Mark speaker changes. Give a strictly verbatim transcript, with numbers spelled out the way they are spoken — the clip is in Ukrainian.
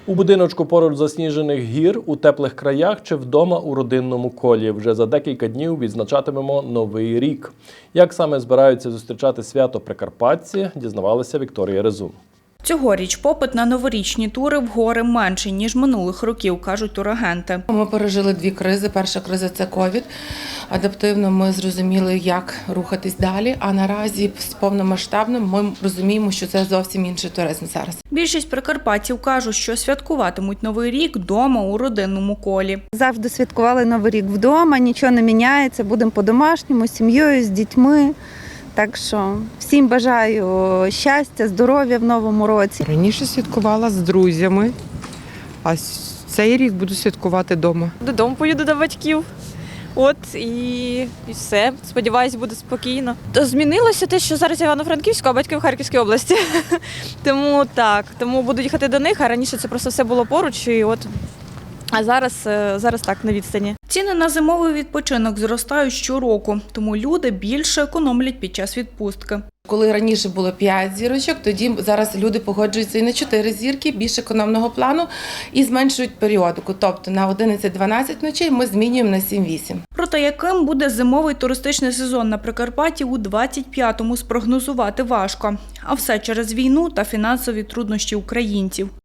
Speaker 1: У будиночку поруч засніжених гір, у теплих краях чи вдома у родинному колі. Вже за декілька днів відзначатимемо Новий рік. Як саме збираються зустрічати свято прикарпатці, дізнавалася Вікторія Резун.
Speaker 2: Цьогоріч попит на новорічні тури в гори менший, ніж минулих років, кажуть турагенти.
Speaker 3: Ми пережили дві кризи. Перша криза – це ковід. Адаптивно ми зрозуміли, як рухатись далі, а наразі з повномасштабним ми розуміємо, що це зовсім інший туризм зараз.
Speaker 2: Більшість прикарпатців кажуть, що святкуватимуть Новий рік вдома у родинному колі.
Speaker 4: Завжди святкували Новий рік вдома, нічого не міняється, будемо по-домашньому, з сім'єю, з дітьми. Так що всім бажаю щастя, здоров'я в новому році.
Speaker 5: Раніше святкувала з друзями, а цей рік буду святкувати вдома.
Speaker 6: Додому поїду до батьків. От і, і все. Сподіваюсь, буде спокійно. То змінилося те, що зараз я в Івано-Франківську, а батьки в Харківській області. Тому так, тому буду їхати до них, а раніше це просто все було поруч. І от, а зараз, зараз так, на відстані.
Speaker 2: Ціни на зимовий відпочинок зростають щороку, тому люди більше економлять під час відпустки.
Speaker 3: Коли раніше було п'ять зірочок, тоді зараз люди погоджуються і на чотири зірки, більш економного плану, і зменшують періодику. Тобто на одинадцять-дванадцять ночей ми змінюємо на сім-вісім.
Speaker 2: Проте яким буде зимовий туристичний сезон на Прикарпатті у двадцять п'ятому спрогнозувати важко. А все через війну та фінансові труднощі українців.